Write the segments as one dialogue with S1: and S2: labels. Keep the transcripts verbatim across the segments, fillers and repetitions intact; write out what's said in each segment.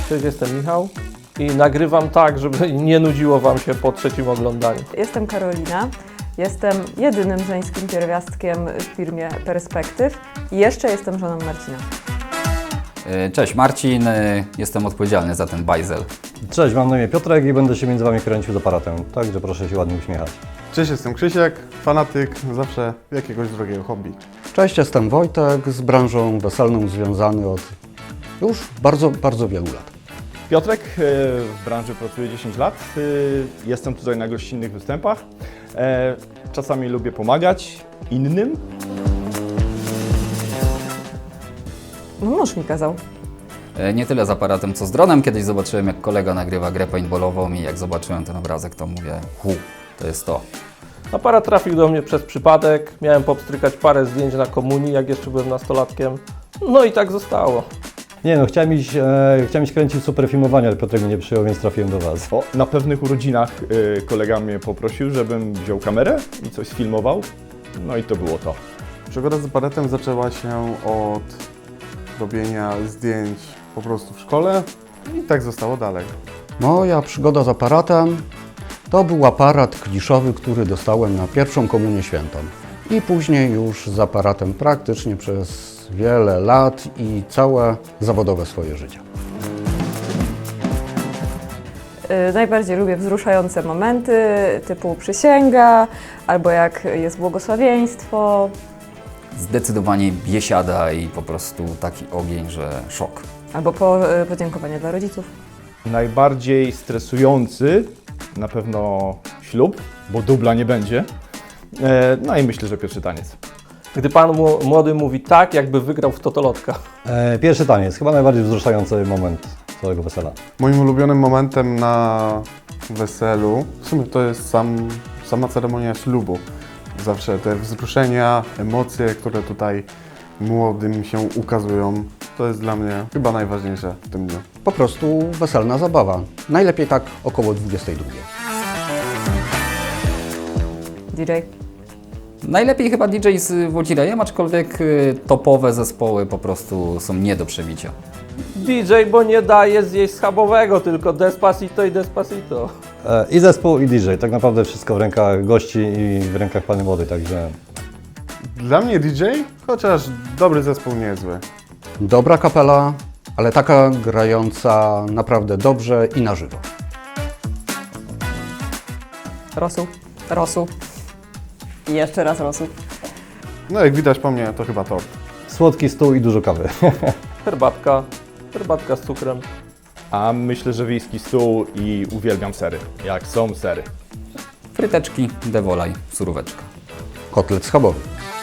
S1: Cześć, jestem Michał i nagrywam tak, żeby nie nudziło Wam się po trzecim oglądaniu.
S2: Jestem Karolina, jestem jedynym żeńskim pierwiastkiem w firmie Perspektyw i jeszcze jestem żoną Marcina.
S3: Cześć, Marcin, jestem odpowiedzialny za ten bajzel.
S4: Cześć, mam na imię Piotrek i będę się między Wami kręcił z aparatem, także proszę się ładnie uśmiechać.
S5: Cześć, jestem Krzysiek, fanatyk zawsze jakiegoś drogiego hobby.
S6: Cześć, jestem Wojtek, z branżą weselną związany od już bardzo, bardzo wielu lat.
S7: Piotrek, w branży pracuję dziesięć lat, jestem tutaj na gościnnych występach. Czasami lubię pomagać innym.
S2: No mąż mi kazał.
S3: Nie tyle z aparatem, co z dronem. Kiedyś zobaczyłem, jak kolega nagrywa grę paintballową i jak zobaczyłem ten obrazek, to mówię, hu, to jest to.
S1: Aparat trafił do mnie przez przypadek, miałem popstrykać parę zdjęć na komunii, jak jeszcze byłem nastolatkiem. No i tak zostało.
S4: Nie no, chciałem iść, e, chciałem iść kręcić super filmowanie, ale Piotrek mnie nie przyjął, więc trafiłem do Was.
S7: O, na pewnych urodzinach y, kolega mnie poprosił, żebym wziął kamerę i coś sfilmował. No i to było to.
S5: Przygoda z aparatem zaczęła się od robienia zdjęć po prostu w szkole i tak zostało dalej.
S6: Moja przygoda z aparatem to był aparat kliszowy, który dostałem na pierwszą komunię świętą. I później już z aparatem praktycznie przez wiele lat i całe zawodowe swoje życie.
S2: Yy, najbardziej lubię wzruszające momenty typu przysięga, albo jak jest błogosławieństwo.
S3: Zdecydowanie biesiada i po prostu taki ogień, że szok.
S2: Albo po, yy, podziękowanie dla rodziców.
S7: Najbardziej stresujący na pewno ślub, bo dubla nie będzie. E, no i myślę, że pierwszy taniec.
S1: Gdy Pan mu- młody mówi tak, jakby wygrał w totolotka.
S4: E, pierwszy taniec, chyba najbardziej wzruszający moment całego wesela.
S5: Moim ulubionym momentem na weselu w sumie to jest sam, sama ceremonia ślubu. Zawsze te wzruszenia, emocje, które tutaj młodym się ukazują, to jest dla mnie chyba najważniejsze w tym dniu.
S6: Po prostu weselna zabawa. Najlepiej tak około dwudziestej drugiej.
S2: D J.
S3: Najlepiej chyba D J z Wodzirejem, aczkolwiek y, topowe zespoły po prostu są nie do przebicia.
S1: D J, bo nie daje zjeść schabowego, tylko Despacito i Despacito.
S4: E, I zespół, i D J, tak naprawdę wszystko w rękach gości i w rękach Panny Młodej, także...
S5: Dla mnie D J, chociaż dobry zespół nie jest zły.
S6: Dobra kapela, ale taka grająca naprawdę dobrze i na żywo.
S2: Rosół. Rosół. I jeszcze raz rosół.
S5: No jak widać po mnie, to chyba top.
S4: Słodki stół i dużo kawy.
S1: Herbatka, herbatka z cukrem.
S7: A myślę, że wiejski stół i uwielbiam sery, jak są sery.
S3: Fryteczki, dewolaj, suróweczka.
S6: Kotlet schabowy.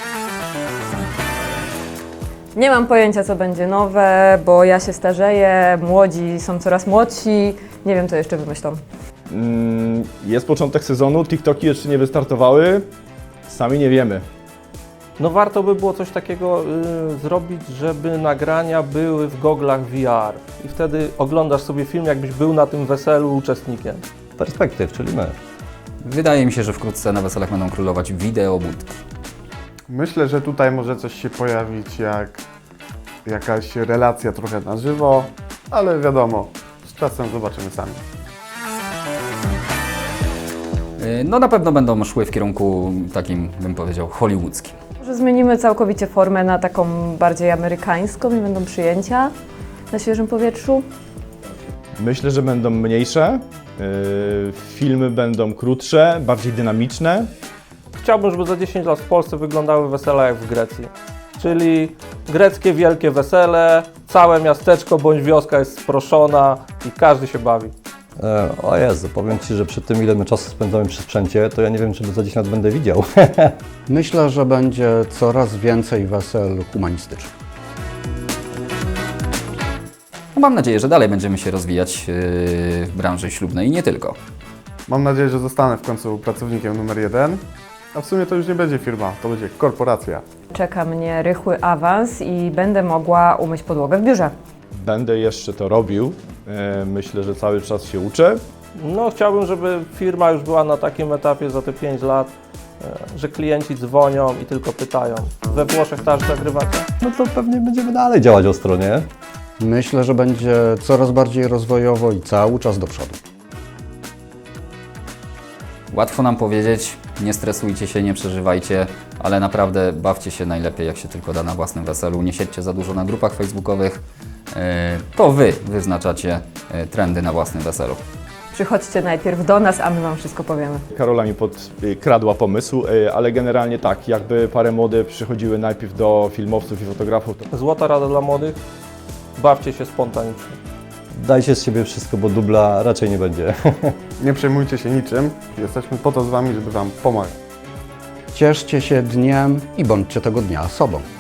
S2: Nie mam pojęcia, co będzie nowe, bo ja się starzeję, młodzi są coraz młodsi. Nie wiem, co jeszcze wymyślą.
S7: Mm, jest początek sezonu, TikToki jeszcze nie wystartowały, sami nie wiemy.
S1: No warto by było coś takiego y, zrobić, żeby nagrania były w goglach V R. I wtedy oglądasz sobie film, jakbyś był na tym weselu uczestnikiem.
S4: Perspektyw, czyli my.
S3: Wydaje mi się, że wkrótce na weselach będą królować wideobudki.
S5: Myślę, że tutaj może coś się pojawić jak jakaś relacja trochę na żywo, ale wiadomo, z czasem zobaczymy sami.
S3: Y, No na pewno będą szły w kierunku takim, bym powiedział, hollywoodzkim.
S2: Może zmienimy całkowicie formę na taką bardziej amerykańską i będą przyjęcia na świeżym powietrzu.
S7: Myślę, że będą mniejsze, yy, filmy będą krótsze, bardziej dynamiczne.
S1: Chciałbym, żeby za dziesięć lat w Polsce wyglądały wesela jak w Grecji. Czyli greckie wielkie wesele, całe miasteczko bądź wioska jest sproszona i każdy się bawi.
S4: E, o Jezu, powiem Ci, że przy tym, ile my czasu spędzamy przy sprzęcie, to ja nie wiem, czy za dziesięć lat będę widział.
S6: Myślę, że będzie coraz więcej wesel humanistycznych.
S3: No, mam nadzieję, że dalej będziemy się rozwijać yy, w branży ślubnej i nie tylko.
S5: Mam nadzieję, że zostanę w końcu pracownikiem numer jeden, a w sumie to już nie będzie firma, to będzie korporacja.
S2: Czeka mnie rychły awans i będę mogła umyć podłogę w biurze.
S7: Będę jeszcze to robił, yy, myślę, że cały czas się uczę.
S1: No chciałbym, żeby firma już była na takim etapie za te pięć lat, e, że klienci dzwonią i tylko pytają. We Włoszech też nagrywacie?
S4: No to pewnie będziemy dalej działać ostro, nie?
S6: Myślę, że będzie coraz bardziej rozwojowo i cały czas do przodu.
S3: Łatwo nam powiedzieć, nie stresujcie się, nie przeżywajcie, ale naprawdę bawcie się najlepiej, jak się tylko da na własnym weselu. Nie siedźcie za dużo na grupach facebookowych. Yy, To Wy wyznaczacie yy, trendy na własnym weselu.
S2: Przychodźcie najpierw do nas, a my Wam wszystko powiemy.
S7: Karola mi podkradła pomysł, y, ale generalnie tak, jakby parę młode przychodziły najpierw do filmowców i fotografów, to
S1: Złota rada dla młodych, bawcie się spontanicznie.
S4: Dajcie z siebie wszystko, bo dubla raczej nie będzie.
S5: Nie przejmujcie się niczym, jesteśmy po to z Wami, żeby Wam pomagać.
S6: Cieszcie się dniem i bądźcie tego dnia sobą.